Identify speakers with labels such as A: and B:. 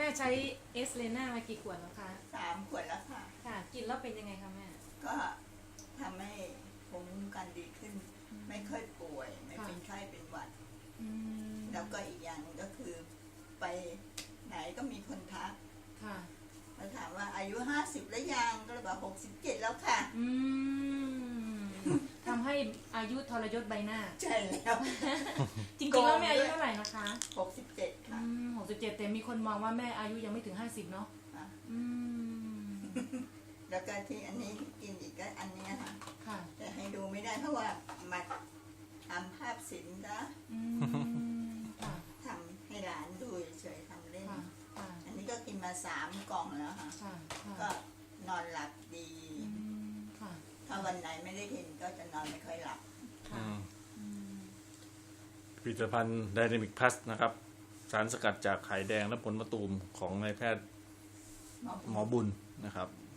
A: ม่ใช้เอสเลน่ามากี่ขวดแล้วคะ
B: 3 ขวดแล้วค่ะ
A: ค่ะกินแล้วเป็นยังไงคะแม่
B: ก็ทำให้ภูมิคุ้มกันดีขึ้น ไม่ค่อยป่วย ไม่เป็นไข้เป็นหวัด แล้วก็อีกอย่างก็คือไปไหนก็มีคนทัก
A: ค่ะ
B: มาถามว่าอายุ 50 แล้วยังก็เลยบอก67 แล้วค่ะ
A: ทำให้อายุทรยศใบหน้า
B: ใช่แล้ว
A: จริงๆแล้วแม่อายุเท่าไหร่นะคะ
B: 67 ค่ะ
A: 67แต่มีคนมองว่าแม่อายุยังไม่ถึง50เนาะ
B: อ่ะ
A: อืม
B: แล้วก็ที่อันนี้กินอีกก็อันเนี้ยค่ะ
A: ค่ะ
B: แต่ให้ดูไม่ได้เพราะว่ามาทำภาพศิลป์นะ
A: ค่ะ
B: ทำให้หลานดูเฉยๆทำเล่น
A: ค่ะค่ะ
B: อันนี้ก็กินมา3 กล่องแล้วค่ะ
A: ค่ะค่ะ
B: ก็นอนหลับดี
A: ค่ะ
B: ถ้าวันไหนไม่ได้กินก็จะนอนไม่ค่อยหลับ
A: ค่ะ
C: ผลิตภัณฑ์ไดนามิกพลัสนะครับ สารสกัดจากไข่แดงและผลมะตูมของนายแพทย์หมอบุญนะครับ